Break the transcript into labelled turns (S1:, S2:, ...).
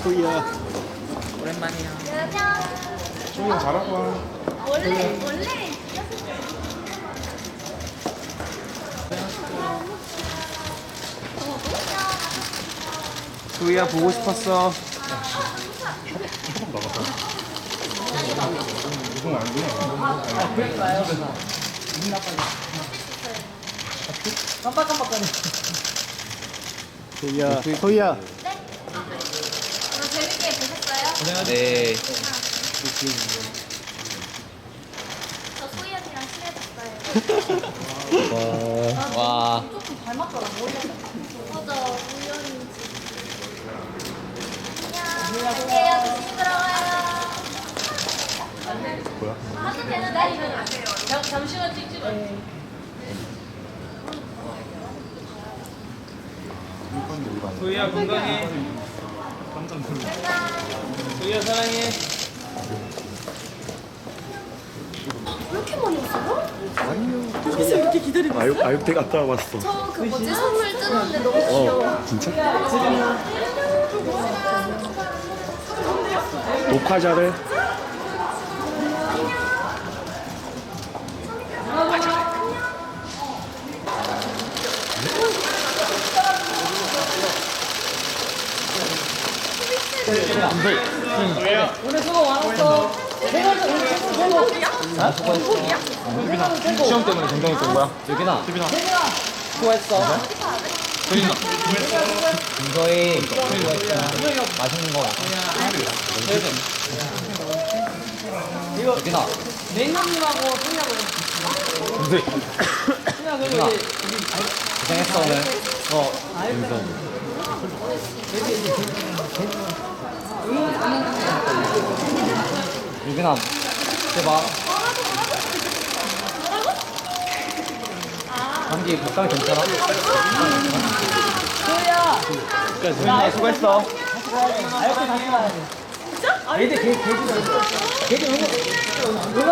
S1: 소희야.
S2: 오랜만이야.
S1: 소희야 잘하고 와.
S3: 원래
S1: 소희야 보고 싶었어. 우승 아니구나.
S2: 그러니까요. 깜빡깜빡거려.
S1: 소희야. 소희야.
S3: 오늘 재밌게 보셨어요?
S2: 네.
S3: 저 소희 언니랑 친해졌어요.
S2: 와.
S3: 조금 닮았더라 머리가. 맞아 우연인지. 안녕. 조심히 들어가요.
S1: 뭐야?
S3: 하도 되는데 이거 잠시만 찍지 마.
S2: 소희야 건강해. 소희야 사랑해.
S3: 왜 이렇게 많이 왔어요?
S1: 아육대 갔다 와봤어.
S3: 저 그 뭐지 선물 뜯었는데 너무 귀여워.
S1: 진짜? 녹화 잘해.
S2: 오늘 수고 많았어.
S1: 시험 때문에 건강했던 거야?
S2: 유빈아. 수고했어. 소희나. 이거에 맛있는 거. 이거 유빈아. 냉면님하고 소희하고. 소희야 그리고 고생했어 오늘. 유빈아, 제발. 감기 걱정 괜찮아?
S1: 소희야 수고했어.
S2: 아, 이렇게 다시 가야 돼. 진짜? 걔들